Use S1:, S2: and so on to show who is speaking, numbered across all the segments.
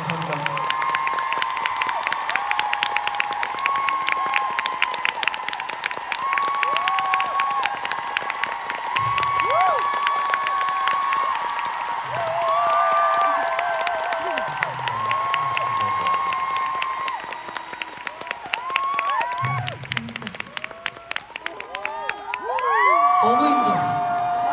S1: 감사합니다.
S2: 너무 힘들어.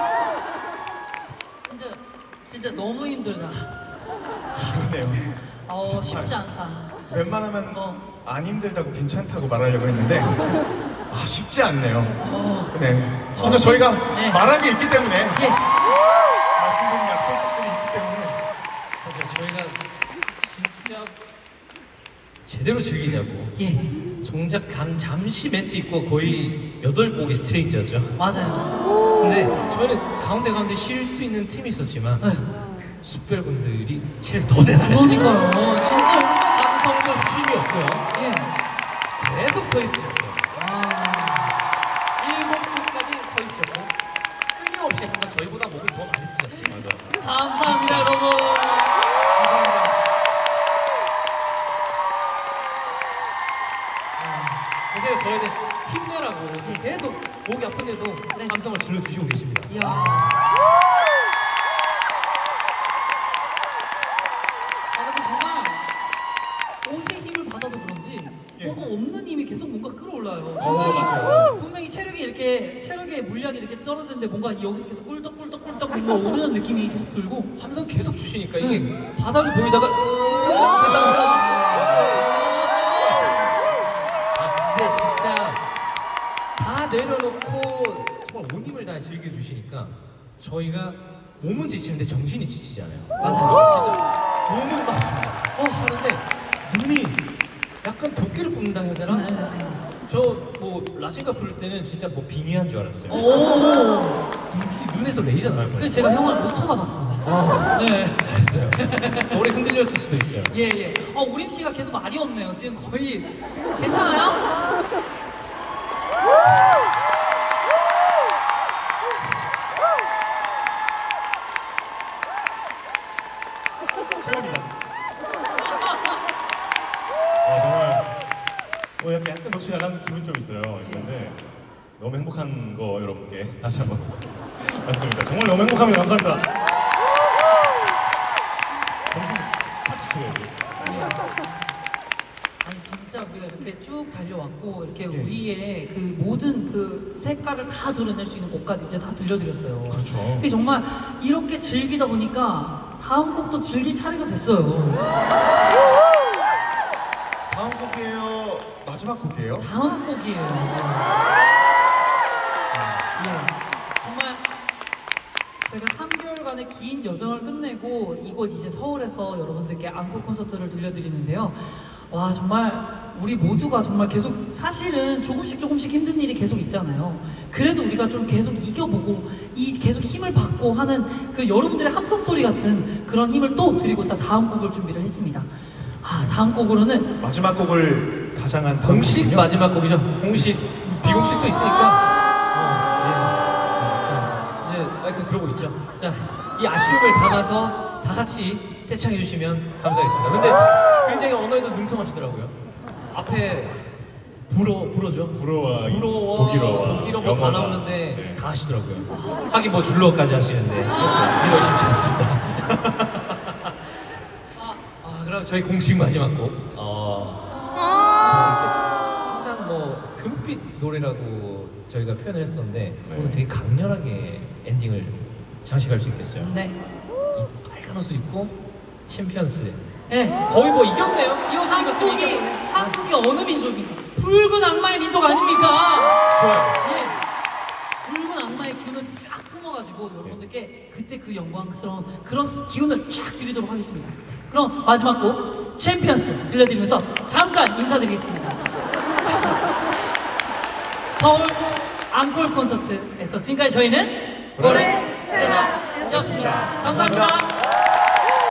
S2: 진짜 너무 힘들다.
S1: 그러네요.
S2: 쉽지 않다.
S1: 웬만하면 안 힘들다고 괜찮다고 말하려고 했는데 쉽지 않네요. 네. 그래서 저희가
S2: 네.
S1: 말한 게 있기 때문에
S2: 예.
S1: 말씀드린 약속들이 있기 때문에
S3: 맞아요. 저희가 진짜 제대로 즐기자고
S2: 예.
S3: 정작 잠시 멘트 있고 거의 8곡이 스트레이트였죠.
S2: 맞아요.
S3: 근데 저희는 가운데 쉴 수 있는 팀이 있었지만
S2: 네.
S3: 숯별분들이 제일 더 대단하시니까
S2: 그러니까요. 진짜.
S3: 함성도 쉼이 없고요.
S2: 예.
S3: 계속 서 있으셨어요.
S2: 아.
S3: 7분까지 서 있었고 끊임없이 항상 저희보다 목을 더 많이 쓰셨어요. 맞아.
S2: 감사합니다, 여러분.
S3: 그래서 저희는 힘내라고 계속 목이 아픈데도 함성을 질러주시고 계십니다.
S2: 이야. 근데 정말 옷에 힘을 받아서 그런지 뭔가 없는 힘이 계속 뭔가 끌어올라요.
S1: 맞아요.
S2: 분명히 체력의 물량이 이렇게 떨어지는데 뭔가 여기서 계속 꿀떡꿀떡꿀떡 뭔가 오르는 느낌이 계속 들고
S3: 함성 계속 주시니까 이게 바닥을 보이다가 근데 진짜 다 내려놓고 정말 온 힘을 다해 즐겨주시니까 저희가 몸은 지치는데 정신이 지치지 않아요.
S2: 맞아요.
S3: 진짜 몸은 마십니다. 하는데 눈이 약간 도끼를 뽑는다 해야 되나? 저 뭐 라신가 부를 때는 진짜 뭐 빙의한 줄 알았어요.
S2: 오.
S3: 눈에서 레이저 나올 뻔했어요.
S2: 그래서 제가 형을 못 쳐다봤어요.
S3: 네, 잘했어요. 오래 흔들렸을 수도 있어요.
S2: 예. 우림 씨가 계속 말이 없네요. 지금 거의 괜찮아요?
S1: 최고입니다. 정말 약간 넋이 나간 기분 좀 있어요. 근데 너무 행복한 거 여러분께 다시 한번 말씀드립니다. 정말 너무 행복합니다. 감사합니다. 정신 같이 쳐야지.
S2: 아니 진짜 우리가 이렇게 쭉 달려왔고 이렇게 우리의 그 모든 그 색깔을 다 드러낼 수 있는 곡까지 이제 다 들려드렸어요.
S1: 그렇죠.
S2: 근데 정말 이렇게 즐기다 보니까 다음 곡도 즐길 차례가 됐어요.
S1: 다음 곡이에요. 마지막 곡이에요.
S2: 다음 곡이에요. 정말 저희가 3개월간의 긴 여정을 끝내고 이곳 이제 서울에서 여러분들께 앙콜 콘서트를 들려드리는데요. 와 정말 우리 모두가 정말 계속 사실은 조금씩 힘든 일이 계속 있잖아요. 그래도 우리가 좀 계속 이겨보고 계속 힘을 받고 하는 그 여러분들의 함성 소리 같은 그런 힘을 또 드리고자 다음 곡을 준비를 했습니다. 다음 곡으로는
S1: 마지막 곡을 가장한
S3: 공식
S1: 곡이군요.
S3: 마지막 곡이죠. 공식 비공식도 있으니까. 자, 이제 마이크 들어오고 있죠. 자, 이 아쉬움을 담아서 다 같이 떼창해 주시면 감사하겠습니다. 근데 굉장히 언어에도 능통하시더라고요. 앞에 불어죠.
S1: 불어와
S3: 독일어 뭐 다
S1: 영어가.
S3: 나오는데
S1: 네.
S3: 다 하시더라고요. 하긴 뭐 줄로까지 하시는데 이거 쉽지 않습니다. 그럼 저희 공식 마지막 곡. 항상 뭐 금빛 노래라고 저희가 표현을 했었는데 오늘 되게 강렬하게 엔딩을 장식할 수 있겠어요.
S2: 네.
S3: 이 빨간 옷을 입고 챔피언스.
S2: 네.
S3: 거의 뭐 이겼네요. 이 옷을 입었으면
S2: 한국이
S3: 이겼네.
S2: 한국이 어느 민족입니까? 붉은 악마의 민족 아닙니까?
S3: 좋아요.
S2: 예. 붉은 악마의 기운을 쫙 뿜어가지고 여러분들께 그때 그 영광스러운 그런 기운을 쫙 드리도록 하겠습니다. 그럼 마지막 곡 챔피언스 들려드리면서 잠깐 인사드리겠습니다. 서울 앙콜 콘서트에서 지금까지 저희는 고래 스텔라였습니다. 감사합니다.